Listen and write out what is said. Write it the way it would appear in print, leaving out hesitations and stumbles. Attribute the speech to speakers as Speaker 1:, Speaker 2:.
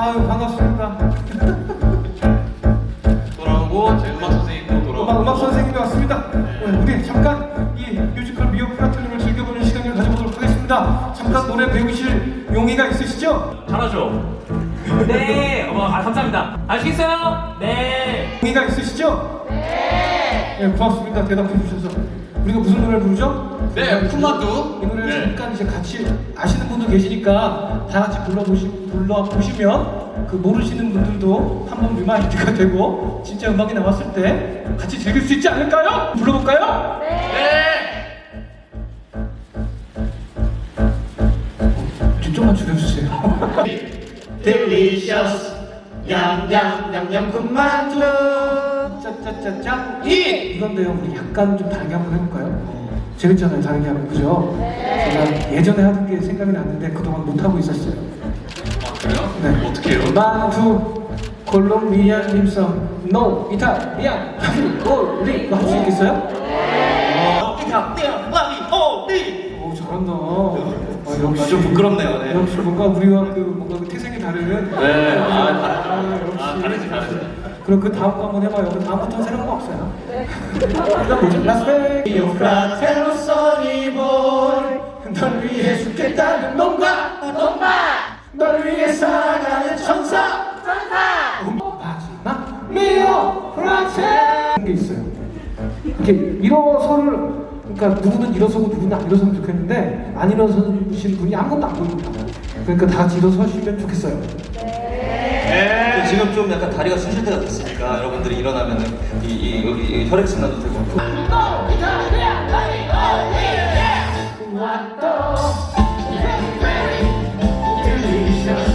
Speaker 1: 아유 반갑습니다.
Speaker 2: 돌아오고 제 음악 선생님도 돌아오고
Speaker 1: 음악 선생님도 왔습니다. 우리 잠깐 이 뮤지컬 미어 플라토님을 즐겨보는 시간을 가져보도록 하겠습니다. 잠깐 노래 배우실 용의가 있으시죠?
Speaker 3: 잘하죠? 네. 감사합니다. 아시겠어요? 네.
Speaker 1: 용의가 있으시죠? 네, 고맙습니다. 대답해 주셔서. 우리가 무슨 노래를 부르죠?
Speaker 2: 네, 푼만두.
Speaker 1: 이 노래를
Speaker 2: 네.
Speaker 1: 잠깐 이제 같이 아시는 분도 계시니까 다 같이 불러보시면 그 모르시는 분들도 한번 리마인드가 되고 진짜 음악이 나왔을 때 같이 즐길 수 있지 않을까요? 불러볼까요? 좀만 줄여주세요.
Speaker 4: Delicious 냠냠냠냠 군만두.
Speaker 1: 짜짜짜짜 이건데요. 우리 약간 좀 다르게 한번 해볼까요? 재밌잖아요. 다르게 하면 그죠? 제가 예전에 하던 게 생각이 났는데 그동안 못 하고 있었어요.
Speaker 2: 아 그래요?
Speaker 1: 네.
Speaker 2: 어떻게 해요?
Speaker 1: 만두 콜롬비아 님성 노 이탈리안 콜리 이거 할 수 있겠어요? 오 잘한다. 역시
Speaker 2: 좀 부끄럽네요. 네.
Speaker 1: 역시 뭔가 우리와 그 뭔가 그 태생이 다른.
Speaker 2: 네.
Speaker 1: 역시.
Speaker 2: 다르지.
Speaker 1: 그럼 그 다음 거 한번 해봐요. 그 다음부터는 새로운 거 없어요. 이거 뭐죠? 라스베이스
Speaker 4: 프라텔로 써니볼
Speaker 1: 널 위해 죽겠다는 놈과 널 위해 살아가는 천사 마지막 미오 프라텔 게 있어요. 이렇게 일어서를 그러니까 누구는 일어서고 누구는 안 일어서면 좋겠는데 안 일어서신 분이 아무것도 안 보입니다. 그러니까 다 같이 일어서시면 좋겠어요.
Speaker 4: 지금 좀 약간 다리가 쑤실 때가 됐으니까 여러분들이 일어나면은 여기 혈액순환도 되고